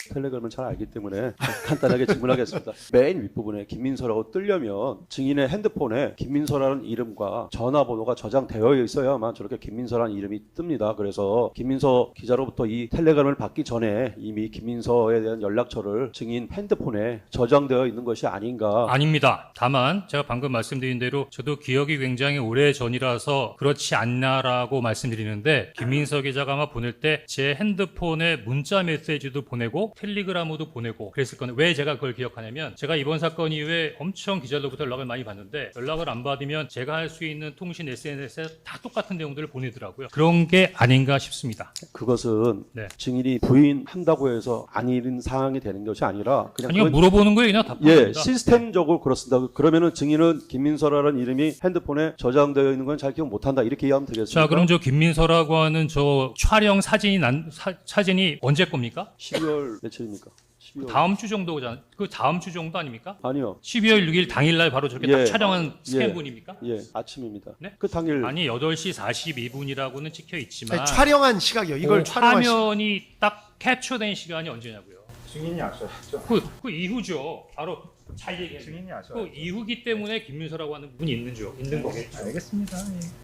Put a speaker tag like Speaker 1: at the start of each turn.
Speaker 1: 텔레그램을 잘 알기 때문에 간단하게 질문하겠습니다. 맨 윗부분에 김민서라고 뜨려면 증인의 핸드폰에 김민서라는 이름과 전화번호가 저장되어 있어야만 저렇게 김민서라는 이름이 뜹니다. 그래서 김민서 기자로부터 이 텔레그램을 받기 전에 이미 김민서에 대한 연락처를 증인 핸드폰에 저장되어 있는 것이 아닌가.
Speaker 2: 아닙니다. 다만 제가 방금 말씀드린 대로 저도 기억이 굉장히 오래 전이라서 그렇지 않나라고 말씀드리는데 김민서 기자가 아마 보낼 때 제 핸드폰에 문자 메시지도 보내고 텔레그램도 보내고 그랬을 건데 왜 제가 그걸 기억하냐면 제가 이번 사건 이후에 엄청 기자들로부터 연락을 많이 받는데 연락을 안 받으면 제가 할 수 있는 통신 SNS에 다 똑같은 내용들을 보내더라고요. 그런 게 아닌가 싶습니다.
Speaker 1: 그것은
Speaker 2: 네.
Speaker 1: 증인이 부인한다고 해서 아닌 상황이 되는 것이 아니라 그냥
Speaker 2: 아니요,
Speaker 1: 그건
Speaker 2: 물어보는 거예요. 그냥 답합니다.
Speaker 1: 예, 시스템적으로 그렇습니다. 그러면은 증인은 김민서라는 이름이 핸드폰에 저장되어 있는 건 잘 기억 못한다 이렇게 이해하면 되겠습니다.
Speaker 2: 자, 그럼 저 김민서라고 하는 저 촬영 사진이 언제 겁니까?
Speaker 1: 12월 며칠입니까? 12월.
Speaker 2: 다음 주 정도잖아요. 그 다음 주 정도 아닙니까?
Speaker 1: 아니요.
Speaker 2: 12월 6일 당일날 바로 저렇게 딱
Speaker 1: 예.
Speaker 2: 촬영한
Speaker 1: 예.
Speaker 2: 스캔분입니까?
Speaker 1: 예, 아침입니다.
Speaker 2: 네?
Speaker 1: 그 당일
Speaker 2: 아니 8시 42분이라고는 찍혀 있지만
Speaker 3: 아니, 촬영한 시각이요. 이걸 촬영한 시각.
Speaker 2: 화면이 딱 캡처된 시간이 언제냐고요?
Speaker 4: 증인이 아셔야죠.
Speaker 2: 그 이후죠. 바로 잘 얘기해요.
Speaker 4: 증인이
Speaker 2: 그
Speaker 4: 아셔야죠.
Speaker 2: 이후기 때문에 김민서라고 하는 분이 있는 거겠죠.
Speaker 4: 알겠습니다. 예.